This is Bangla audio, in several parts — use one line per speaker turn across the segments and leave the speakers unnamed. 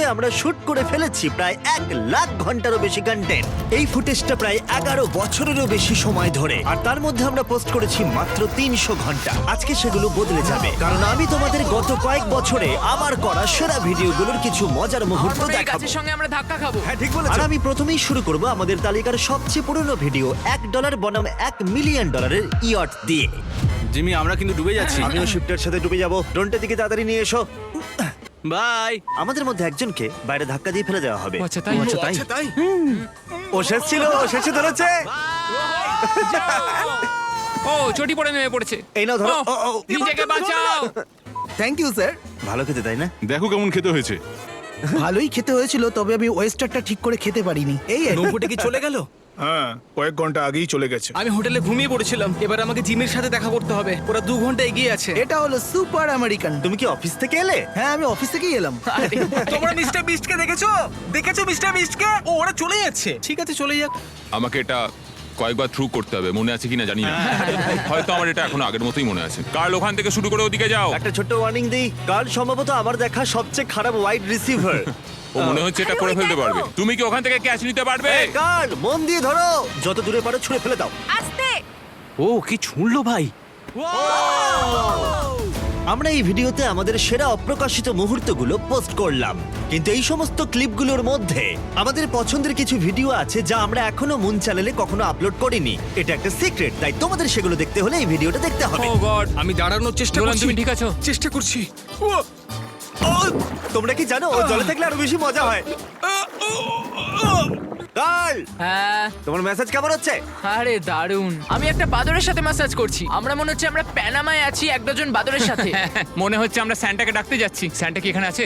আমরা শুট করে ফেলেছি প্রায় 1,00,000 ঘন্টারও বেশি কন্টেন্ট। এই ফুটেজটা প্রায় 11 বছরেরও বেশি সময় ধরে, আর তার মধ্যে আমরা পোস্ট করেছি মাত্র 300 ঘন্টা। আজকে সেগুলো বদলে যাবে, কারণ আমি তোমাদের গত কয়েক বছরে আমার করা সেরা ভিডিওগুলোর কিছু মজার মুহূর্ত দেখাবো।
গাছের সঙ্গে আমরা ধাক্কা খাবো।
হ্যাঁ, ঠিক বলেছো। আর আমি প্রথমেই শুরু করব আমাদের তালিকার সবচেয়ে পুরনো ভিডিও, $1 বনাম $1 মিলিয়ন ইয়ট দিয়ে।
জিমি, আমরা কিন্তু ডুবে যাচ্ছি।
আমিও শিফটের সাথে ডুবে যাব। ড্রোনটা দিকে তাড়াতাড়ি নিয়ে এসো।
বাই।
আমাদের মধ্যে একজনকে বাইরে ধাক্কা দিয়ে ফেলে দেওয়া হবে।
আচ্ছা তাই
আচ্ছা তাই।
ও শেষ ছিল, ও শেষে ধরেছে।
ও চটি পড়ে নেমে পড়েছে।
এই নাও ধরো।
ও, নিজেকে বাঁচাও।
Thank you sir.
ভালো খেতে, তাই না?
দেখো কেমন খেতে হয়েছে।
ভালোই খেতে হয়েছিল, তবে আমি ওয়েস্টারটা ঠিক করে খেতে পারিনি। এই আর কি।
নৌকোটা কি চলে গেল?
হ্যাঁ, কয়েক ঘন্টা আগেই চলে গেছে।
আমি হোটেলে ঘুমিয়ে পড়েছিলাম। এবার আমাকে জিমির সাথে দেখা করতে হবে। ওরা 2 ঘন্টা এগিয়ে আছে।
এটা হলো সুপার আমেরিকান।
তুমি কি অফিস থেকে এলে?
হ্যাঁ, আমি অফিস থেকেই এলাম।
তোমরা মিস্টার বিস্টকে দেখেছো? মিস্টার বিস্টকে? ও, ওরা চলে যাচ্ছে। ঠিক আছে, চলে যাক।
আমাকে এটা কয়েকবার থ্রু করতে হবে, মনে আছে কিনা জানি না। হয়তো আমার এটা এখন আগের মতোই মনে আছে। কার্ল, ওখান থেকে শুরু করে ওদিকে যাও।
একটা ছোট্ট ওয়ার্নিং দিই, কার্ল সম্ভবত আমার দেখা সবচেয়ে খারাপ ওয়াইড রিসিভার।
ও মনে হচ্ছে এটা করে ফেলতে পারবে। তুমি কি ওখান থেকে ক্যাচ নিতে পারবে?
কার্ল, মন দিয়ে ধরো, যত দূরে পারো ছুঁড়ে ফেলে দাও।
আস্তে।
ও কি ছুঁড়লো ভাই!
আমরা এই ভিডিওতে আমাদের সেরা অপ্রকাশিত মুহূর্তগুলো পোস্ট করলাম, কিন্তু এই সমস্ত ক্লিপগুলোর মধ্যে আমাদের পছন্দের কিছু ভিডিও আছে যা আমরা এখনো মুন চ্যানেলে কখনো আপলোড করিনি। এটা একটা সিক্রেট, তাই তোমাদের সেগুলো দেখতে হলে এই ভিডিওটা দেখতে হবে।
Oh God.
আমি দাঁড়ানোর চেষ্টা
নোলান,
করছি।
তুমি ঠিক আছো?
চেষ্টা করছি।
তোমরা কি জানো ও জলে থাকলে আরো বেশি মজা হয়? কার্ল,
হ্যাঁ।
তোমার মেসেজ কেমন হচ্ছে?
আরে দারুণ। আমি একটা বাদরের সাথে ম্যাসাজ করছি। আমরা মনে হচ্ছে আমরা প্যানামায় আছি এক ডজন বাদরের সাথে।
মনে হচ্ছে আমরা স্যান্টাকে ডাকতে যাচ্ছি। স্যান্টা কি এখানে আছে?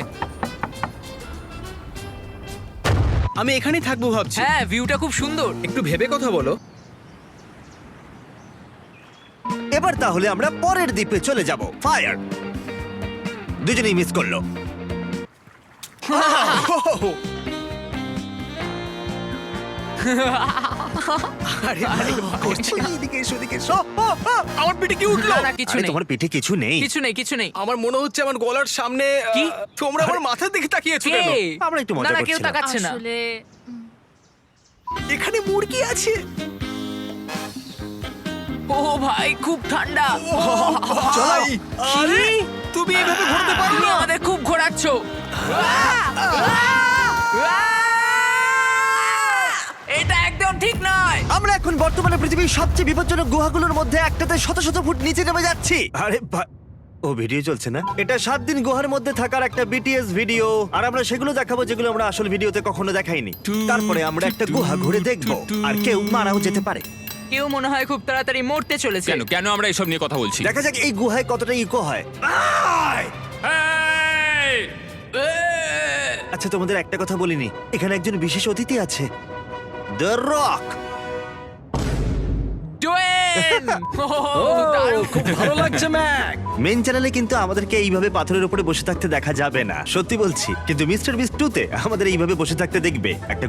আমি এখানেই থাকবো ভাবছি।
হ্যাঁ, ভিউটা খুব সুন্দর।
একটু ভেবে কথা বলো।
এবার তাহলে আমরা পরের দ্বীপে চলে যাব। ফায়ার। দুজনেই মিস করলো।
আরে ভাই, করছে কি? এদিকে এসো, এদিকে এসো।
আমার পিঠে কি উঠলো?
না না কিছু
আরে
নেই,
তোমার পিঠে কিছু নেই।
কিছু নেই, কিছু নেই।
আমার মনে হচ্ছে আমার গলার সামনে
কি?
তোমরা আমার মাথার দিকে তাকিয়েছো
কে?
কেন?
আমরা একটু মজা
না না কেউ
করছিলাম।
তাকাচ্ছে না।
আসলে
এখানে মুরগি আছে।
ও ভাই খুব ঠান্ডা।
ভাই, আরে তুমি এইভাবে ঘুরতে পারো
তুমি
না।
আমাদের খুব ঘোরাচ্ছ। এটা একদম ঠিক নয়।
আমরা এখন বর্তমানে পৃথিবীর সবচেয়ে বিপজ্জনক গুহাগুলোর মধ্যে একটাতে শত শত ফুট নিচে নেমে যাচ্ছি। আরে ও ভিডিও চলছে না? এটা 7 দিন গুহার মধ্যে থাকার একটা বিটিএস ভিডিও, আর আমরা সেগুলো দেখাবো যেগুলো আমরা আসল ভিডিওতে কখনো দেখাইনি। তারপরে আমরা একটা গুহা ঘুরে দেখবো, আর কেউ মারাও যেতে পারে।
কেউ মনে হয় খুব তাড়াতাড়ি মরতে চলেছে।
কেন কেন আমরা এসব নিয়ে কথা বলছি?
দেখা যাক এই গুহায় কতটা ইকো হয়।
এই!
আচ্ছা, তোমাদের একটা কথা বলিনি, এখানে একজন বিশেষ অতিথি আছে, দ্য রক।
ডোয়েন! দারুণ।
খুব ভালো লাগছে ম্যাক।
মেন চ্যানেলে কিন্তু আমাদেরকে এইভাবে পাথরের উপরে বসে থাকতে দেখা যাবে না, সত্যি বলছি। কিন্তু মিস্টার বিস্ট 2 তে আমাদের এইভাবে বসে থাকতে দেখবে। একটা